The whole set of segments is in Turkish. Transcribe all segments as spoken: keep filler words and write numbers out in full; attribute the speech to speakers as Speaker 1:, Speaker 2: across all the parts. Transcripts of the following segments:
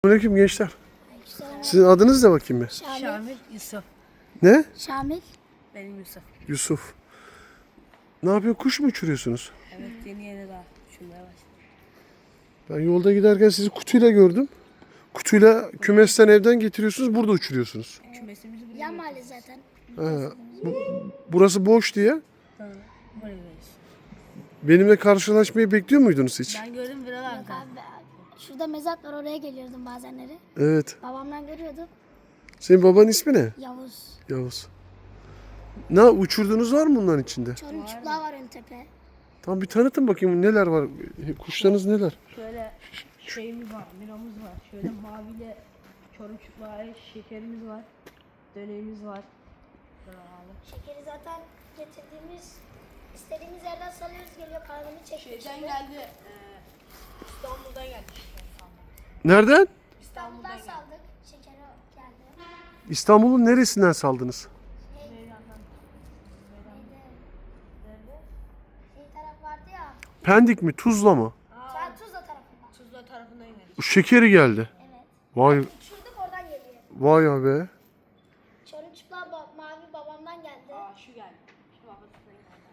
Speaker 1: Aleyküm gençler. Sizin adınız ne bakayım bir?
Speaker 2: Şamil.
Speaker 3: Şamil, Yusuf.
Speaker 1: Ne?
Speaker 2: Şamil.
Speaker 3: Benim Yusuf.
Speaker 1: Yusuf. Ne yapıyor? Kuş mu uçuruyorsunuz?
Speaker 3: Evet, yeni yeni daha uçurmaya başladım.
Speaker 1: Ben yolda giderken sizi kutuyla gördüm. Kutuyla kümesten evden getiriyorsunuz, burada uçuruyorsunuz.
Speaker 3: Kümesimizi buraya
Speaker 2: Yan mahalle zaten.
Speaker 1: Ha, bu, burası boş diye.
Speaker 3: Ha, buraya veririz.
Speaker 1: Benimle karşılaşmayı bekliyor muydunuz hiç?
Speaker 3: Ben gördüm buralarda.
Speaker 2: Yok abi. Şurada mezat var, oraya geliyordum bazenleri.
Speaker 1: Evet.
Speaker 2: Babamdan görüyordum.
Speaker 1: Senin babanın ismi ne?
Speaker 2: Yavuz.
Speaker 1: Yavuz. Ne uçurduğunuz var mı bunların içinde?
Speaker 2: Çorum çıplağı var ön tepe.
Speaker 1: Tam bir tanıtın bakayım neler var. Kuşlarınız neler?
Speaker 3: Şöyle şeyimiz var, miramız var. Şöyle maviyle çorum çıplağı şekerimiz var. Döneğimiz var. Bravo.
Speaker 2: Şekeri zaten getirdiğimiz, istediğimiz yerden salıyoruz, geliyor kahveni çekiyor.
Speaker 3: Şeyden geldi, e, İstanbul'dan geldi.
Speaker 1: Nereden?
Speaker 2: İstanbul'dan saldık. Şekeri geldi.
Speaker 1: İstanbul'un neresinden saldınız?
Speaker 3: Meydandan.
Speaker 2: Neydi?
Speaker 3: Nerede?
Speaker 2: Şey taraf vardı ya.
Speaker 1: Pendik mi? Tuzla mı?
Speaker 2: Sen Tuzla tarafından.
Speaker 3: Tuzla tarafından geldi.
Speaker 1: Bu şekeri geldi.
Speaker 2: Evet.
Speaker 1: Vay
Speaker 2: Uçurduk, oradan geliyor.
Speaker 1: vay be.
Speaker 2: Çorum çıplağı ba- mavi babamdan geldi.
Speaker 3: Aa, şu geldi. Şu babasından geldi.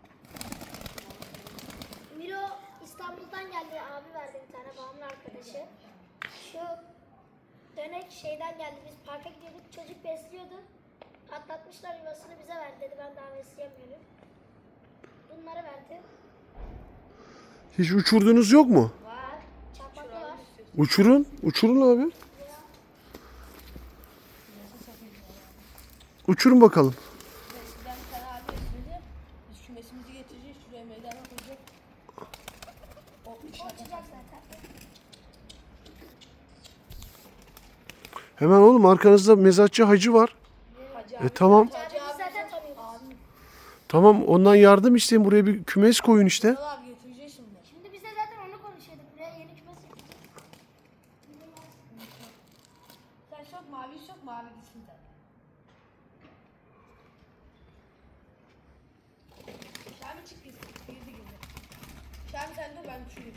Speaker 2: Miro İstanbul'dan geldi, abi verdi bir tane, babamın arkadaşı. Şu dönek şeyden geldi, biz parka gidiyorduk, çocuk besliyordu. Atlatmışlar, yuvasını bize verdi dedi, ben daha besleyemiyorum. Bunları verdi.
Speaker 1: Hiç uçurdunuz yok mu?
Speaker 2: Var. Çapaklı var.
Speaker 1: Uçurun. Uçurun abi. Uçurun bakalım.
Speaker 3: Ben bir tane abi getirdi. Biz kümesimizi getireceğiz. Şuraya meydana koyacak. O
Speaker 2: O
Speaker 3: inşaat
Speaker 2: uçacak zaten.
Speaker 1: Hemen oğlum arkanızda mezatçı hacı var.
Speaker 3: Hacı
Speaker 1: E tamam.
Speaker 2: Abi biz zaten tanıyoruz.
Speaker 1: Tamam ondan yardım isteyin. Buraya bir kümes koyun işte.
Speaker 3: Kral abi getireceğiz şimdi.
Speaker 2: Şimdi biz de zaten onu konuşuyorduk, buraya yeni kümes yapacağız.
Speaker 3: Sen sok mavi sok mavi gitsin tabii. Şami çık gitsin. Girdi girdi. Şami sen dur ben düşüreyim.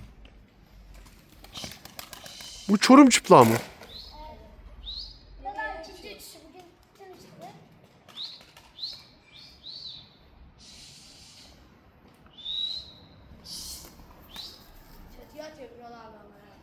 Speaker 1: Bu Çorum çıplağı mı?
Speaker 2: Bu da ikinci uçuşu, bugün bütün uçuşu.
Speaker 3: Çatıya atıyor Kral abi ama ya.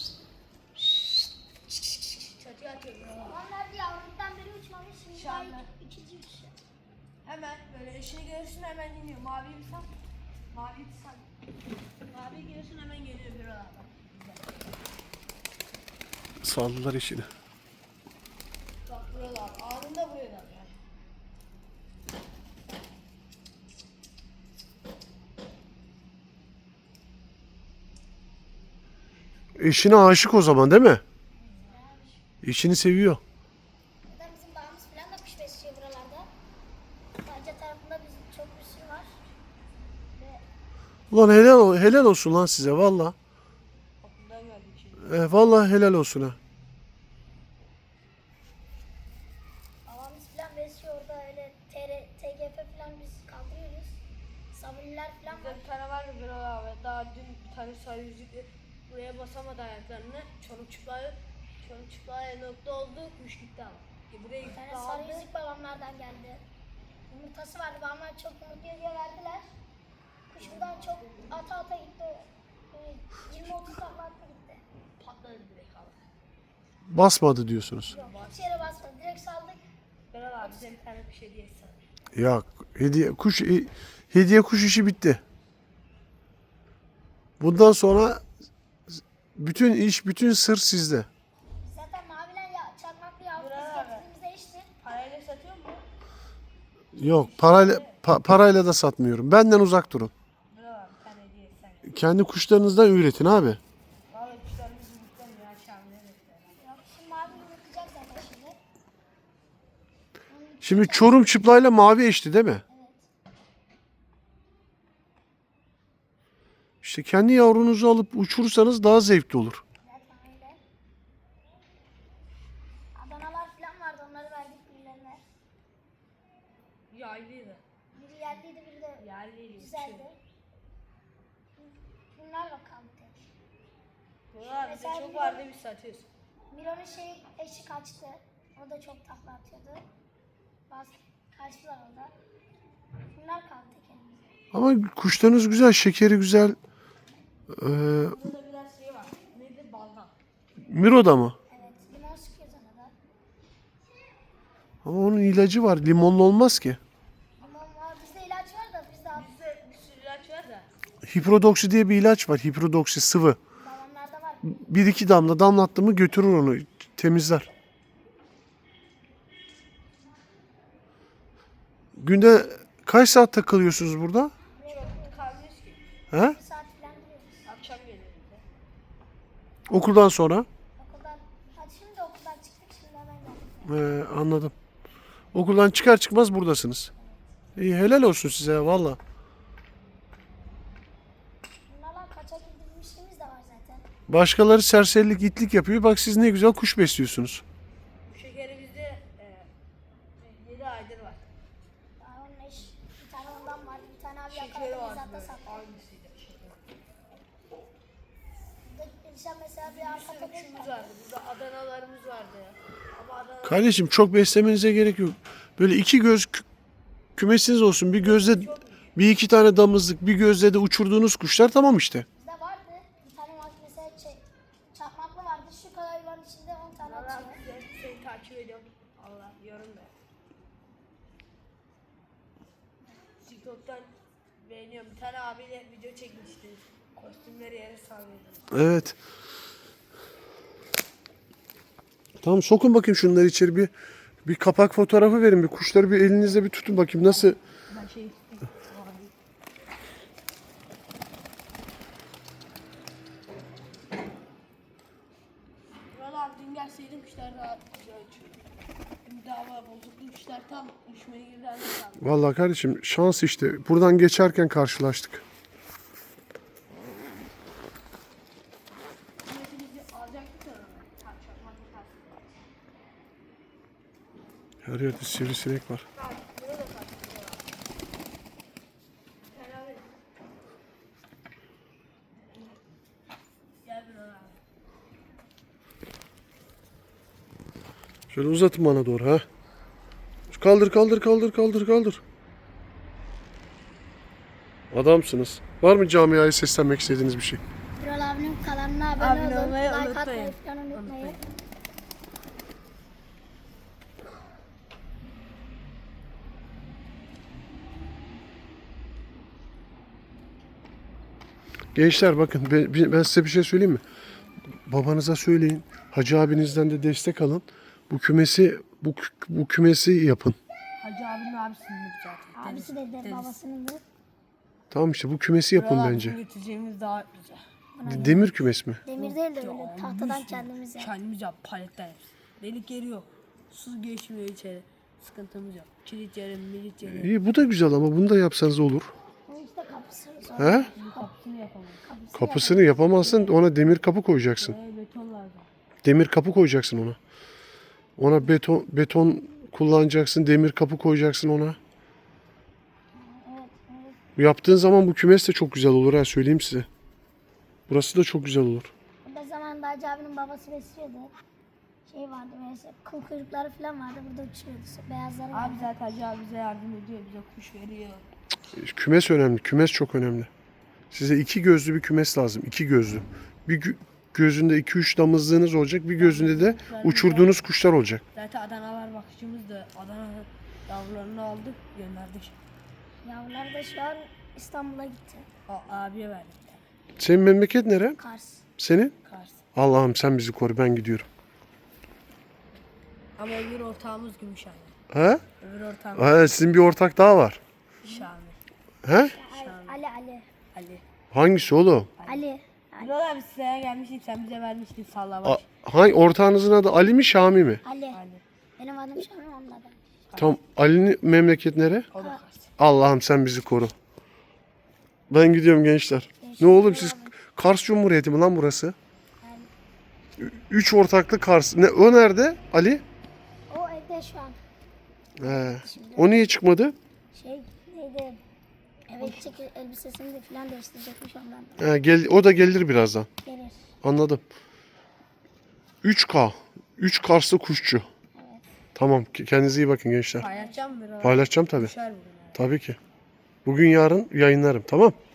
Speaker 3: Çatıya atıyor Kral abi.
Speaker 2: Onlar diye Avrupa'dan beri uçmamış, şimdi daha
Speaker 3: İnşallah.
Speaker 2: iki- ikinci uçuşu.
Speaker 3: Hemen böyle eşeği görürsün hemen iniyor. Mavi bir sal. Mavi bir sal. Mavi görürsün hemen geliyor Kral abi.
Speaker 1: Saldılar işini.
Speaker 3: Bak Kral abi anında buraya da yani.
Speaker 1: Eşine aşık o zaman değil mi? Eşini seviyor.
Speaker 2: Zaten bizim bağımız falan da kuş besliyor buralarda. Bence tarafında bizim çok bir sürü var. Ve
Speaker 1: Ulan helal, helal olsun lan size valla.
Speaker 3: Kapından geldik şimdi.
Speaker 1: E, valla helal olsun ha.
Speaker 2: bağımız falan besliyor orada, öyle T R, T G F falan biz kaldırıyoruz. Sabuniler falan var.
Speaker 3: Bir tane var ya Kral abi. Daha dün bir tane sarı yüzükle buraya basamadı ayaklarını. Çorum çıplağı, çorum çıplağı nokta oldu. Kuş gitti ama. E buraya
Speaker 2: Bir
Speaker 3: gitti
Speaker 2: tane sarı
Speaker 3: aldı.
Speaker 2: yüzük babamlardan geldi. Yumurtası vardı, babamlar çok yumurtluyor diye verdiler. Kuş buradan çok ata ata gitti. Böyle yirmi otuz takla attı gitti.
Speaker 3: Patladı direkt abi.
Speaker 1: Basmadı diyorsunuz.
Speaker 2: Yok, hiç yere basmadı, direkt saldık.
Speaker 3: Kral abi bize bir tane bir şey diye sana.
Speaker 1: Ya hediye kuş e, hediye kuş işi bitti. Bundan sonra bütün iş, bütün sır sizde.
Speaker 2: Zaten mavilen ya, çakmaklı yavru
Speaker 3: Bravo
Speaker 2: biz
Speaker 3: abi.
Speaker 2: getirdiğimizde içti.
Speaker 3: Parayla satıyor mu?
Speaker 1: Yok parayla pa- parayla da satmıyorum. Benden uzak durun.
Speaker 3: Kral abi bir tane hediye sen.
Speaker 1: Kendi kuşlarınızdan üretin abi.
Speaker 3: Vallahi kuşlarımız yumurtlar ya Şam'da bekler.
Speaker 2: Yok, şimdi mavi yumurtlayacak zaten şimdi.
Speaker 1: Şimdi Çorum çıplayla mavi eşti değil mi?
Speaker 2: Evet.
Speaker 1: İşte kendi yavrunuzu alıp uçurursanız daha zevkli olur.
Speaker 2: Zaten öyle. Adanalar falan vardı, onları verdik birilerine.
Speaker 3: Yaylıydı.
Speaker 2: Biri yerliydi, biri de
Speaker 3: Yerliydi.
Speaker 2: güzeldi. Bunlar bakalım tek.
Speaker 3: Valla bizde
Speaker 2: Mesela
Speaker 3: çok
Speaker 2: bir-
Speaker 3: vardı biz satıyoruz.
Speaker 2: Miro'nun şey eşi kaçtı. O da çok takla atıyordu. Bazı kaçtılar orada. Bunlar kaldı kendimize.
Speaker 1: Ama kuşlarınız güzel, şekeri güzel. Ee,
Speaker 3: Burada da biraz şey var. Nedir? Balgam.
Speaker 1: Miro'da mı?
Speaker 2: Evet, limon sıkıyoruz ona da.
Speaker 1: Ama onun ilacı var. Limonlu olmaz ki.
Speaker 2: Limon var. Bizde ilaç var da biz de al-
Speaker 3: Bizde bir sürü ilaç var da.
Speaker 1: Hiprodoksi diye bir ilaç var. Hiprodoksi sıvı.
Speaker 2: babamlarda var.
Speaker 1: Bir iki damla damlattı mı götürür onu. Temizler. Günde kaç saat takılıyorsunuz burada?
Speaker 3: Çok kalmıyoruz ki.
Speaker 1: He?
Speaker 2: Bir saat falan duruyoruz.
Speaker 3: Akşam geliyor bize.
Speaker 1: Okuldan sonra?
Speaker 2: Okuldan, hadi şimdi okuldan çıktık şimdi hemen geldik.
Speaker 1: Ee, anladım. Okuldan çıkar çıkmaz buradasınız. İyi, helal olsun size valla.
Speaker 2: Bunlarla kaçak indirmişliğimiz de var zaten.
Speaker 1: Başkaları serserilik, itlik yapıyor. Bak siz ne güzel kuş besliyorsunuz.
Speaker 3: Bu şekeri bizde e, yedi aydır var.
Speaker 2: Daha onun eş, bir tane ondan vardı. Bir tane abi
Speaker 3: Şekeri
Speaker 2: yakaladı.
Speaker 3: var
Speaker 2: Biz hatta
Speaker 3: böyle.
Speaker 2: sattık.
Speaker 3: Hangisiydi? Şeker.
Speaker 2: Burada gelişen mesela bir
Speaker 3: Bir
Speaker 2: arka
Speaker 3: sürü
Speaker 2: köpek
Speaker 3: kuşumuz
Speaker 2: vardı.
Speaker 3: vardı. Burada Adanalarımız vardı ya. Ama Adana
Speaker 1: Kardeşim çok beslemenize gerek yok. Böyle iki göz kü- kümesiniz olsun. Bir gözde bir iki tane damızlık, bir gözde de uçurduğunuz kuşlar tamam işte.
Speaker 2: Bizde vardı. Bir tane var mesela şey, çakmaklı vardı. Şu kadar hayvanın içinde on tane
Speaker 3: Allah
Speaker 2: atıyor.
Speaker 3: bize seni takip ediyorum. Allah yorum da. TikTok'tan beğeniyorum. Bir tane abiyle video çekmişti. Kostümleri yere sallıyordu.
Speaker 1: Evet. Tamam sokun bakayım şunları içeri bir bir kapak fotoğrafı verin. Bir kuşları bir elinizle bir tutun bakayım nasıl.
Speaker 3: Ben şey istedim. Buralar dün gelseydim kuşlar daha güzel uçuyordu. Dün dava bozuklu kuşlar tam uçmaya girdiler.
Speaker 1: Vallahi kardeşim şans işte. Buradan geçerken karşılaştık.
Speaker 3: Bizi alacaktık da tam çakmaklı tarzı.
Speaker 1: Her yerde sivrisinek var.
Speaker 3: Abi burada da tarzı. Helal et. Gel bir abi.
Speaker 1: Şöyle uzatın bana doğru ha. Kaldır kaldır kaldır kaldır kaldır. Adamsınız. Var mı camiaya seslenmek istediğiniz bir şey?
Speaker 2: Birol abinin kanalına abone
Speaker 3: Abone
Speaker 2: olun.
Speaker 3: olmayı
Speaker 2: Like
Speaker 3: unutmayın.
Speaker 2: atmayı falan unutmayın.
Speaker 3: Unutmayın.
Speaker 1: Gençler bakın ben, ben size bir şey söyleyeyim mi? Babanıza söyleyin. Hacı abinizden de destek alın. Bu kümesi bu, kü- bu kümesi yapın.
Speaker 3: Hacı abinin abisinin zaten.
Speaker 2: Abisi de de babasının da.
Speaker 1: Tamam işte bu kümesi yapın
Speaker 3: Buralar
Speaker 1: bence.
Speaker 3: bizim getireceğimiz daha güzel.
Speaker 1: Demir kümes mi?
Speaker 2: Demir değil de öyle tahtadan kendimiz yaptık.
Speaker 3: Kendimiz yap paletten yap. Delik yeri yok. Su geçmiyor içeri. Sıkıntımız yok. Kilit yeri, milit yeri.
Speaker 1: İyi bu da güzel ama bunu da yapsanız olur.
Speaker 2: Bu işte kapısı.
Speaker 1: He?
Speaker 3: Bizim kapısını yapalım.
Speaker 2: Kapısı
Speaker 1: Kapısını yapamazsın ona demir kapı koyacaksın.
Speaker 3: Ee, beton lazım.
Speaker 1: Demir kapı koyacaksın ona. Ona beton beton kullanacaksın, demir kapı koyacaksın ona.
Speaker 2: Evet, evet.
Speaker 1: Yaptığın zaman bu kümes de çok güzel olur ha söyleyeyim size. Burası da çok güzel olur.
Speaker 2: Burada zamanında Hacı abinin babası besliyordu. Şey vardı mesela kıl kuyrukları falan vardı burada uçuyordu. Beyazları vardı.
Speaker 3: Abi zaten Hacı abi bize yardım ediyor. Bize kuş veriyor.
Speaker 1: Kümes önemli. Kümes çok önemli. Size iki gözlü bir kümes lazım. İki gözlü. Bir gö- gözünde iki üç damızlığınız olacak. Bir gözünde de uçurduğunuz kuşlar olacak.
Speaker 3: Zaten Adanalar bakıcımız da Adana yavrularını aldık gönderdik.
Speaker 2: Yavrular da şu an İstanbul'a gitti.
Speaker 3: O abiye verdik.
Speaker 1: Senin memleket nere?
Speaker 2: Kars.
Speaker 1: Senin?
Speaker 3: Kars.
Speaker 1: Allah'ım sen bizi koru ben gidiyorum.
Speaker 3: Ama öbür ortağımız Gümüşhane.
Speaker 1: He?
Speaker 3: Öbür ortağımız
Speaker 1: Ha, sizin bir ortak daha var.
Speaker 3: Şami.
Speaker 1: He?
Speaker 2: Ali Ali. Ali.
Speaker 3: Ali.
Speaker 1: Hangisi oğlum?
Speaker 2: Ali.
Speaker 3: Bilal abi size gelmiştik sen bize vermiştin sallama.
Speaker 1: A- hangi ortağınızın adı Ali mi Şami mi?
Speaker 2: Ali.
Speaker 3: Ali.
Speaker 2: Benim adım Şami onun adı.
Speaker 1: Tam Ali'nin memleket nere?
Speaker 3: O da Kars.
Speaker 1: Allah'ım sen bizi koru. Ben gidiyorum gençler. Ne oğlum siz Kars Cumhuriyeti mi lan burası? Ü- Üç ortaklı Kars. Ne, o nerede Ali?
Speaker 2: O evde şu an.
Speaker 1: He. O niye çıkmadı?
Speaker 2: Şey neydi? Evet çünkü elbisesini de falan değiştirecekmiş ondan.
Speaker 1: He, gel, o da gelir birazdan.
Speaker 2: Gelir.
Speaker 1: Anladım. üç K. üç Karslı kuşçu. Tamam. Kendinize iyi bakın gençler.
Speaker 3: Paylaşacağım biraz.
Speaker 1: Paylaşacağım tabii.
Speaker 3: Düşer bugün.
Speaker 1: Tabii ki. Bugün yarın yayınlarım. Tamam.